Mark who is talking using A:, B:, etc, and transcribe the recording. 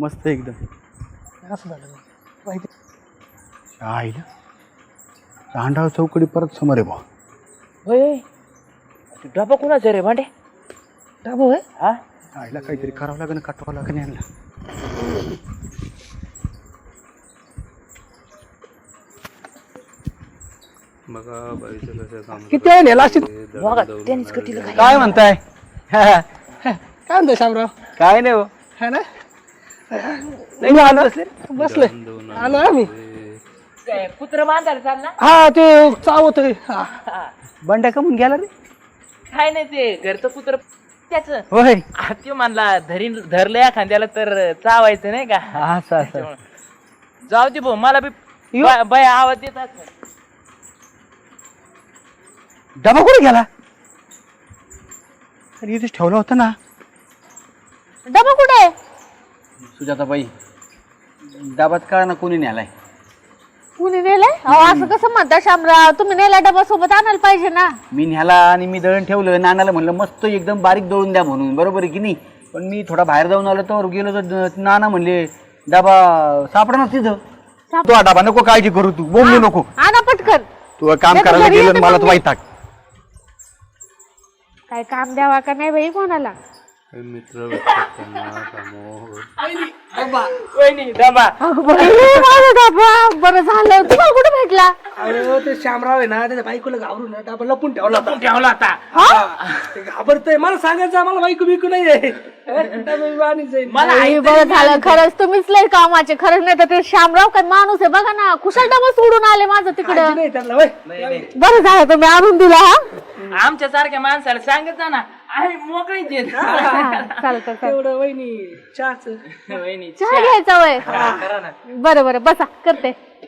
A: मस्त एकदम.
B: असं झालं माहिती.
A: आईला तांडाव चौकडी परत समोर आहे बा.
C: होय डबा कुणाचा रे भांडे?
B: डाबो आहे.
C: हा
A: आईला काहीतरी करावं लागेल, काटवावं लागेल यांना.
B: किती वेळ नेला असेल.
C: बघा त्यांनीच कटील काय
A: काय म्हणताय?
B: काय म्हणतो शामराव?
A: काय नाही हो.
B: है ना
A: नाही आलो
B: बसले आलो आम्ही.
C: काय कुत्र बांधायला चालला?
B: हा ते चावत
A: बंड्या कमून गेला रे.
C: काय नाही ते घरचं कुत्र त्याच
A: होय
C: ते म्हणला धरलं एखाद्याला तर चावायचं नाही का?
A: असं असं.
C: जाऊ दे भाऊ मला बी बाय आवाज देत असं.
A: डबा कुठे गेला? अरे इथेच ठेवला होता ना.
D: डबा कुठे?
A: सुजाताबाई डबात कळा ना कोणी न्यालाय.
D: कुणी नेलाय? अहो असं कसं म्हणता शामराव, तुम्ही नेला डबा सोबत आणायला पाहिजे ना.
A: मी न्याला आणि मी दळण ठेवलं. नानाला म्हणलं मस्त एकदम बारीक दळून द्या म्हणून, बरोबर आहे की नाही. पण मी थोडा बाहेर जाऊन आलो तर गेलो तर नाना म्हणले डबा सापडणार तिथं. तो डबा नको काळजी करू, तू बोंबू नको.
D: आणा पटकन.
A: तू काम
D: नाही तर
A: करायला
D: घरी
A: गेलं
D: येते
A: मला
D: मग
A: तर
D: मी.
A: वाईट.
D: काय काम द्यावा का नाही बाई कोणाला?
C: वहिनी डबा
D: अगं बाई, माझा डबा. बरं झालं, तुम्हाला कुठे भेटला?
B: अरे ते शामराव आहे ना त्याच्या बायकोला घाबरून डाबा लपून ठेवला होता.
C: ठेवला आता.
B: ते घाबरतय. मला सांगायचं मला बायको बिकू नाहीये.
C: मला
D: बाई, बरं झालं खरंच तुम्हीच लय कामाचे. खरंच नाही तर ते शामराव काय माणूस आहे बघा ना. कुशल डबा सोडून आले माझं तिकडं.
B: नाही त्याला वय.
D: बरं झालं तुम्ही आणून दिला. हा
C: आमच्या सारख्या माणसाला सांगत जा ना आम्ही मोकळीच देत.
D: चालतं.
B: एवढं वहिनी चहाच
C: वहिनी
D: चहा घ्यायचा वय. बरं बरं बसा करते.